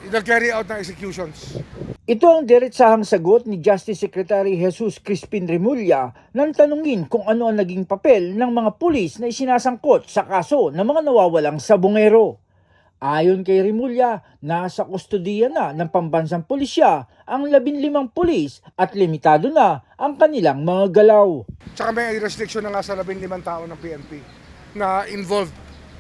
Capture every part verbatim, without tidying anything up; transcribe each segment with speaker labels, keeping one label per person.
Speaker 1: nag-carry out ng executions.
Speaker 2: Ito ang diretsahang sagot ni Justice Secretary Jesus Crispin Remulla nang tanungin kung ano ang naging papel ng mga pulis na isinasangkot sa kaso ng mga nawawalang sabungero. Ayon kay Remulla, nasa kustodiya na ng pambansang pulisya ang labinlimang pulis at limitado na ang kanilang mga galaw.
Speaker 1: Tsaka may restriction na nga sa labinlimang tao ng P N P na involved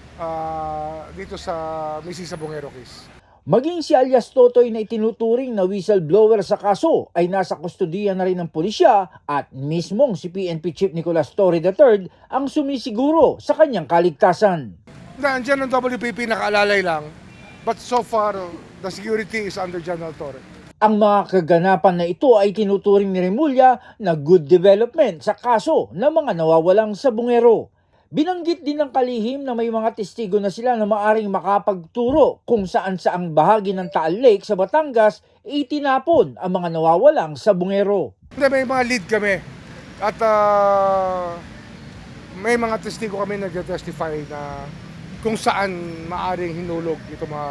Speaker 1: uh, dito sa Mrs. Sabungero case.
Speaker 2: Maging si alias Totoy na itinuturing na whistleblower sa kaso ay nasa kustodiya na rin ng pulisya at mismong si P N P Chief Nicolas Torre the third ang sumisiguro sa kanyang kaligtasan.
Speaker 1: Nandiyan ang W P P nakaalalay lang, but so far the security is under General Torre.
Speaker 2: Ang mga kaganapan na ito ay tinuturing ni Remulla na good development sa kaso ng mga nawawalang sabungero. Binanggit din ng kalihim na may mga testigo na sila na maaring makapagturo kung saan saang bahagi ng Taal Lake sa Batangas itinapon ang mga nawawalang sabungero.
Speaker 1: May mga lead kami at uh, may mga testigo kami nag-testify na kung saan maaring hinulog itong mga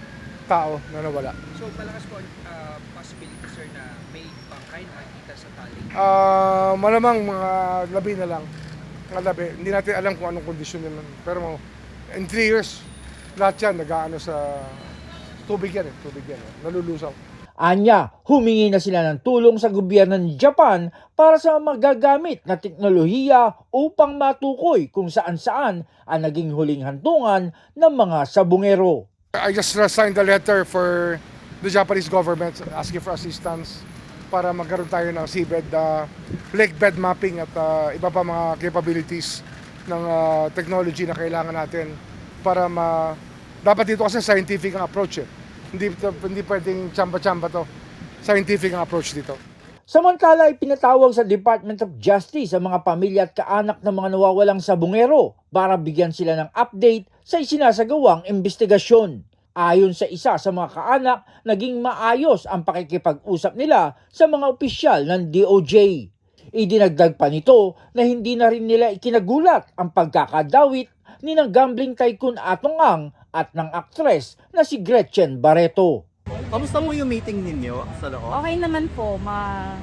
Speaker 1: tao na nawala.
Speaker 3: So malakas po uh, possibility sir na may bangkay na nakikita sa Taal Lake?
Speaker 1: Uh, malamang mga labi na lang. Labi. Hindi natin alam kung anong kondisyon nila. Pero in three years, lahat yan nag-aano sa tubig yan eh. Tubig yan eh. Nalulusaw.
Speaker 2: Anya, humingi na sila ng tulong sa gobyerno ng Japan para sa magagamit na teknolohiya upang matukoy kung saan-saan ang naging huling hantungan ng mga sabungero.
Speaker 1: I just signed a letter for the Japanese government asking for assistance para magkaroon tayo ng seabed, uh, lake bed mapping at uh, iba pa mga capabilities ng uh, technology na kailangan natin para ma... Dapat dito kasi scientific ang approach eh. Hindi, hindi pwedeng tsamba-tsamba to. Scientific ang approach dito.
Speaker 2: Samantala ay pinatawag sa Department of Justice ang mga pamilya at kaanak ng mga nawawalang sabungero para bigyan sila ng update sa isinasagawang investigasyon. Ayon sa isa sa mga kaanak, naging maayos ang pakikipag-usap nila sa mga opisyal ng D O J. Idinagdag pa nito na hindi na rin nila ikinagulat ang pagkakadawit ni ng gambling tycoon Atong Ang at ng aktres na si Gretchen Barreto.
Speaker 4: Kamusta mo yung meeting ninyo sa loob?
Speaker 5: Okay naman po, ma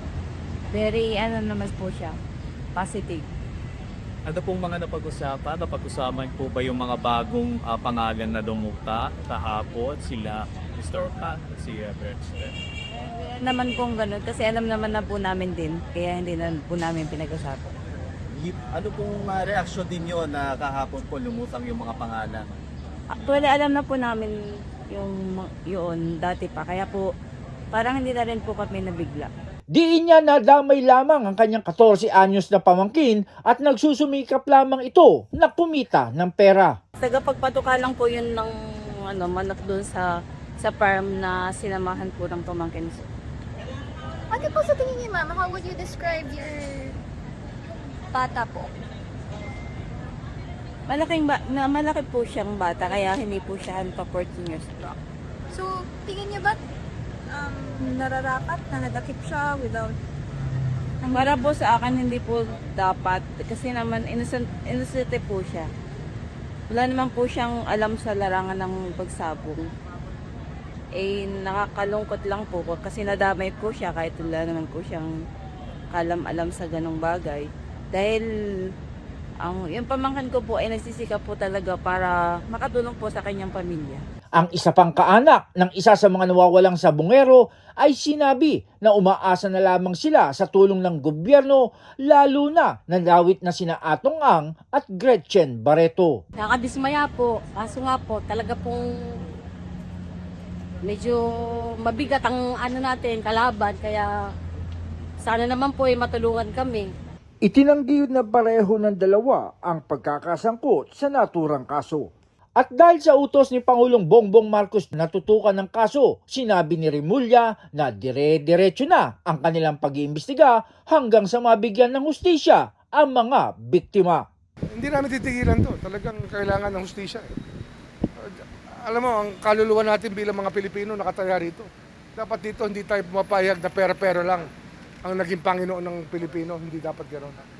Speaker 5: very ano naman po siya, positive.
Speaker 4: Ano pong mga napag-usapan? Napag-usapan po ba yung mga bagong uh, pangalan na dumukta kahapon? Sila mister Pat at si uh, Gretchen?
Speaker 5: Eh, naman pong ganun, kasi alam naman na po namin din, kaya hindi na po namin pinag-usapan.
Speaker 4: Ano pong uh, reaksyon din yun na kahapon po lumutang yung mga pangalan?
Speaker 5: Actually, alam na po namin yung yun dati pa, kaya po parang hindi na rin po kami nabigla.
Speaker 2: Diin niya na damay lamang ang kanyang fourteen anyos na pamangkin at nagsusumikap lamang ito na kumita ng pera.
Speaker 5: Tagapagpatuka lang po yun ng ano, manok doon sa sa farm na sinamahan po ng pamangkin.
Speaker 6: Ano po sa tingin niyo, ma'am? How would you describe your bata po?
Speaker 5: Malaking ba, na malaki po siyang bata, kaya hindi po siya pa fourteen years old.
Speaker 6: So, tingin niyo ba um, nararapat na nadakip siya without...
Speaker 5: Para po sa akin, hindi po dapat. Kasi naman, innocent, innocent po siya. Wala naman po siyang alam sa larangan ng pagsabong. Eh, nakakalungkot lang po kasi nadamay po siya kahit wala naman po siyang kalam-alam sa ganong bagay. Dahil, ang, yung pamangkin ko po ay nagsisikap po talaga para makatulong po sa kanyang pamilya.
Speaker 2: Ang isa pang kaanak ng isa sa mga nawawalang sabungero ay sinabi na umaasa na lamang sila sa tulong ng gobyerno lalo na nadawit na sina Atong Ang at Gretchen Barreto.
Speaker 7: Nakakadismaya po, kaso nga po talaga pong medyo mabigat ang ano natin, kalaban, kaya sana naman po ay matulungan kami.
Speaker 2: Itinanggi na pareho ng dalawa ang pagkakasangkot sa naturang kaso. At dahil sa utos ni Pangulong Bongbong Marcos na tutukan ng kaso, sinabi ni Remulla na dire-diretso na ang kanilang pag-iimbestiga hanggang sa mabigyan ng hustisya ang mga biktima.
Speaker 1: Hindi namin titigilan to. Talagang kailangan ng hustisya. Alam mo, ang kaluluwa natin bilang mga Pilipino nakataya rito. Dapat dito hindi tayo pumapayag na pera-pera lang ang naging Panginoon ng Pilipino. Hindi dapat gano'n.